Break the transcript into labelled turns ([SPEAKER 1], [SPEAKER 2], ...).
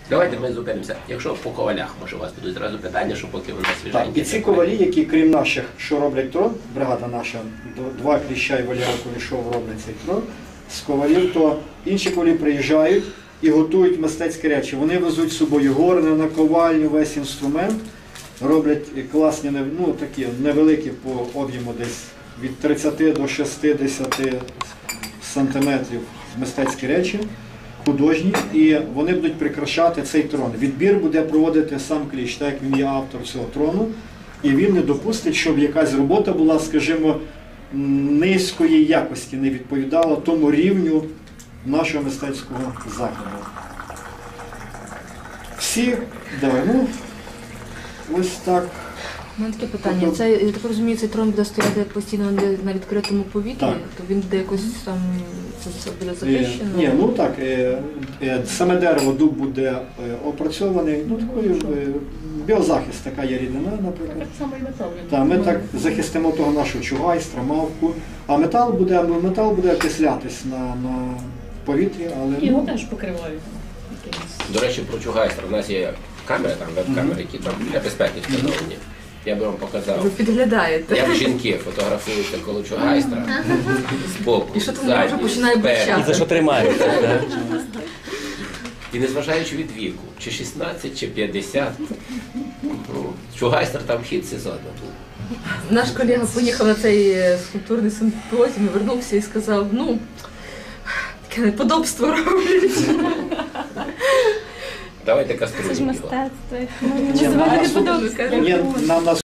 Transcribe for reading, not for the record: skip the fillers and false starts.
[SPEAKER 1] Давайте ми зупинимося. Якщо по ковалях, може у вас будуть зразу питання, що поки вони свіженькі.
[SPEAKER 2] І ці ковалі, які крім наших, що роблять трон, бригада наша, два Кліща і Валера Кулішов роблять цей трон, з ковалів, то інші ковалі приїжджають і готують мистецькі речі. Вони везуть з собою горни, наковальню, весь інструмент, роблять класні, ну такі невеликі по об'єму десь від 30 до 60 сантиметрів мистецькі речі, художні, і вони будуть прикрашати цей трон. Відбір буде проводити сам Кліщ, так як він є автор цього трону, і він не допустить, щоб якась робота була, скажімо, низької якості, не відповідала тому рівню нашого мистецького закладу. Всі, ну, ось так.
[SPEAKER 3] У мене таке питання. Це, я так розумію, цей трон буде стояти постійно на відкритому повітрі,
[SPEAKER 2] Так.
[SPEAKER 3] то він буде якось там, це все буде захищено?
[SPEAKER 2] Ні, ну так, саме дерево, дуб буде опрацьований, ну такою біозахист, така є рідина, наприклад.
[SPEAKER 4] Так само і метал.
[SPEAKER 2] Так, ми так захистимо того нашого чугайстра, мавку, а метал буде окислятись на повітрі, але...
[SPEAKER 4] І його теж покривають. якимось.
[SPEAKER 1] До речі, про чугайстра. У нас є камери, там веб-камери, які там для безпеки встановлені. Я би вам показав.
[SPEAKER 3] Ви підглядаєте.
[SPEAKER 1] Як жінки фотографуються коло чугайстра збоку,
[SPEAKER 3] І що там вже
[SPEAKER 1] ззаді,
[SPEAKER 3] починає
[SPEAKER 1] спереду.
[SPEAKER 3] бурчати.
[SPEAKER 5] І за що тримаєте?
[SPEAKER 1] І незважаючи від віку, чи 16, чи 50, ну, чугайстер там хід сезону був.
[SPEAKER 3] Наш колега поїхав на цей скульптурний симпозіум, вернувся і сказав, ну, таке неподобство роблять.
[SPEAKER 1] Давайте
[SPEAKER 6] Це ж
[SPEAKER 1] каструлю його.
[SPEAKER 6] мистецтво. Називати не подобається.
[SPEAKER 2] Ні, нам